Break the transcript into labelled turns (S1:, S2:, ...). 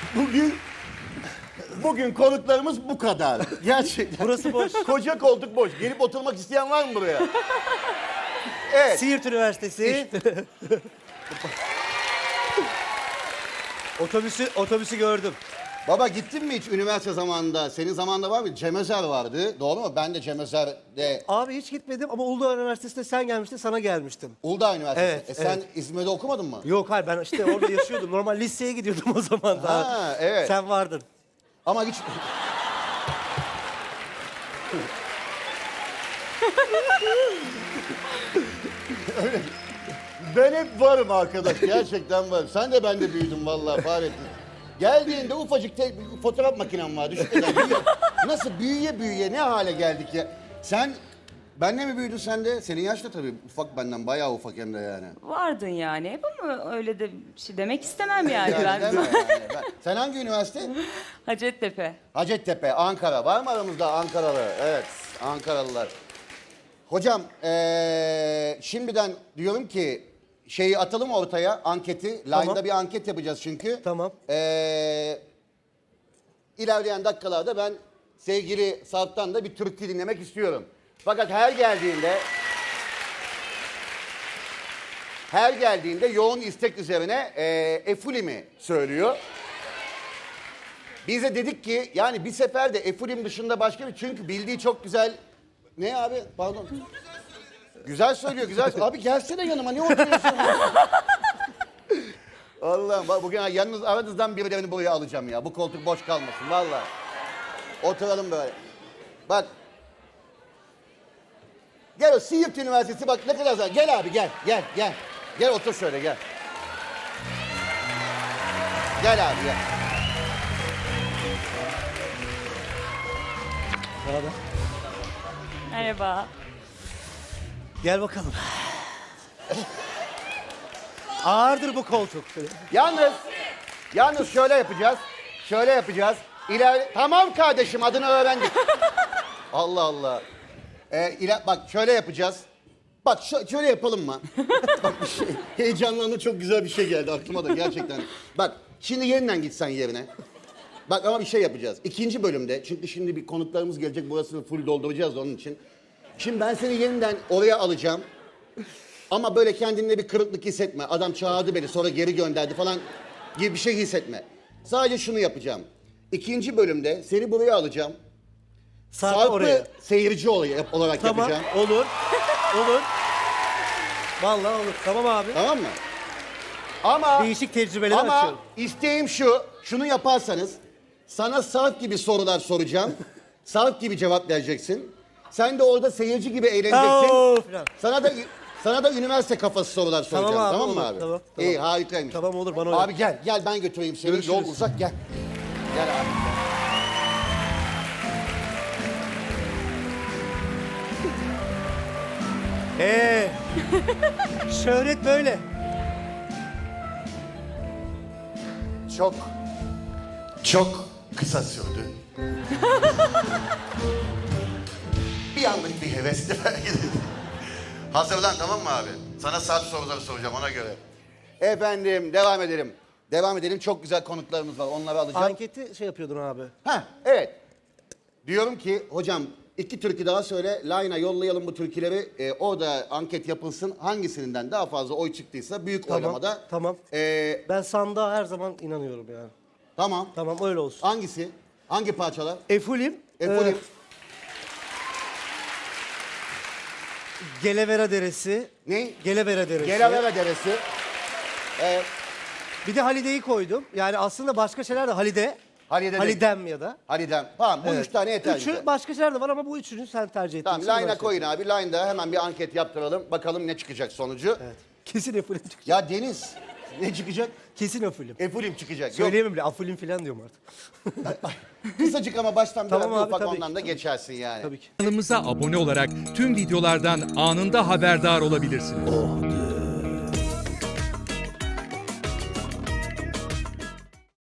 S1: Bugün konuklarımız bu kadar. Gerçekten.
S2: Burası boş.
S1: Koca koltuk boş. Gelip oturmak isteyen var mı buraya? Evet.
S2: Siirt Üniversitesi. Otobüsü gördüm.
S1: Baba gittin mi hiç üniversite zamanında? Senin zamanında var mı? Cem Özer vardı. Doğru mu? Ben de Cem Özer'de
S2: Abi hiç gitmedim ama Uludağ Üniversitesi'nde sen gelmiştin, sana gelmiştim.
S1: Uludağ Üniversitesi.
S2: Evet,
S1: Sen
S2: evet.
S1: İzmir'de okumadın mı?
S2: Yok hayır, ben işte orada yaşıyordum. Normal liseye gidiyordum o zaman daha.
S1: Ha, evet.
S2: Sen vardın.
S1: Ama hiç... Öyle. Ben hep varım arkadaş. Gerçekten varım. Sen de ben de büyüdün vallahi Fahrettin. Geldiğinde ufacık fotoğraf makinem var. Düşünsene. Nasıl büyüye ne hale geldik ya. Sen benle mi büyüdün sen de? Senin yaş da tabii ufak benden. Bayağı ufak hem de yani.
S3: Vardın yani hep ama öyle de bir şey demek istemem yani
S1: Yani
S3: ben.
S1: deme yani. Sen hangi üniversite?
S3: Hacettepe.
S1: Hacettepe, Ankara. Var mı aramızda Ankaralı? Evet, Ankaralılar. Hocam, şimdiden diyorum ki şeyi atalım ortaya, anketi.
S2: Tamam.
S1: Line'da bir anket yapacağız çünkü.
S2: Tamam.
S1: İlerleyen dakikalarda ben sevgili Sarp'tan da bir türkü dinlemek istiyorum. Fakat her geldiğinde yoğun istek üzerine Efulim'i söylüyor. Biz de dedik ki yani bir sefer de Efulim dışında başka bir, çünkü bildiği çok güzel. Ne abi? Pardon. Güzel söylüyor, güzel. Abi gelsene yanıma, ne oturuyorsun? Allah'ım bak bugün yalnız aranızdan birilerini buraya alacağım ya. Bu koltuk boş kalmasın vallahi. Oturalım böyle. Bak. Gel o Siirt Üniversitesi bak ne kadar güzel. Gel abi gel. Gel otur şöyle gel. Gel abi gel.
S2: Merhaba.
S3: Merhaba.
S2: Gel bakalım. Ağırdır bu koltuk.
S1: Yalnız şöyle yapacağız. Tamam kardeşim, adını öğrendik. Allah Allah. Bak şöyle yapacağız. Bak şöyle yapalım mı? Bak bir şey. Heyecanlandım, çok güzel bir şey geldi aklıma da gerçekten. Bak şimdi yeniden gitsen yerine. Bak ama bir şey yapacağız. İkinci bölümde, çünkü şimdi bir konuklarımız gelecek, burasını full dolduracağız onun için. Şimdi ben seni yeniden oraya alacağım. Ama böyle kendinde bir kırıklık hissetme. Adam çağırdı beni sonra geri gönderdi falan gibi bir şey hissetme. Sadece şunu yapacağım. İkinci bölümde seni buraya alacağım.
S2: Sarp'ı oraya.
S1: Sarp'ı seyirci olarak
S2: Tamam,
S1: yapacağım.
S2: olur. Olur. Vallahi olur. Tamam abi.
S1: Tamam mı? Ama
S2: Değişik tecrübeler
S1: ama
S2: açıyorum.
S1: isteğim şunu yaparsanız sana Sarp gibi sorular soracağım. Sarp gibi cevap vereceksin. Sen de orada seyirci gibi eğleneceksin.
S2: Oo, falan.
S1: Sana da üniversite kafası sorular soracağım.
S2: Tamam abi,
S1: Tamam mı
S2: olur.
S1: abi?
S2: Tamam.
S1: İyi, harikaymış.
S2: Tamam, olur, bana
S1: Abi gel ben götüreyim seni.
S2: Görüşürüz.
S1: Yol uzak, gel. Gel abi.
S2: Şöhret böyle.
S1: Çok kısa sürdü. Bir anlık bir hevesle belki de. Hazırlan, tamam mı abi? Sana saat soruları soracağım ona göre. Efendim devam edelim. Çok güzel konuklarımız var. Onları alacağım.
S2: Anketi şey yapıyordun abi.
S1: Evet. Diyorum ki hocam 2 türkü daha söyle. Line'a yollayalım bu türküleri. Orada anket yapılsın. Hangisinden daha fazla oy çıktıysa büyük oylamada.
S2: Tamam. Ben sandığa her zaman inanıyorum yani.
S1: Tamam.
S2: Tamam, öyle olsun.
S1: Hangisi? Hangi parçalar?
S2: Efulim.
S1: Efulim.
S2: Gelevera Deresi.
S1: Ne?
S2: Gelevera Deresi.
S1: Gelavera Deresi. Evet.
S2: Bir de Halide'yi koydum. Yani aslında başka şeyler de Halide.
S1: Halide de-
S2: Halidem ya da.
S1: Halidem. Tamam bu
S2: Evet.
S1: 3 tane yeter bize.
S2: Üçü başka şeyler de var ama bu üçünü sen tercih ettin.
S1: Tamam
S2: Sen
S1: line'a
S2: başla.
S1: koyun abi. Line'da hemen bir anket yaptıralım. Bakalım ne çıkacak sonucu.
S2: Evet. Kesin Efulim çıkacak.
S1: Ya Deniz ne çıkacak?
S2: Kesin Efulim.
S1: Efulim çıkacak. Yok.
S2: Söyleyemem bile. Afulim falan diyorum artık.
S1: Kısacık ama baştan
S2: Tamam
S1: biraz bir
S2: abi,
S1: ufak
S2: tabii
S1: ondan
S2: ki,
S1: da
S2: tabii
S1: geçersin yani.
S2: Tabii ki.
S4: Kanalımıza abone olarak tüm videolardan anında haberdar olabilirsiniz.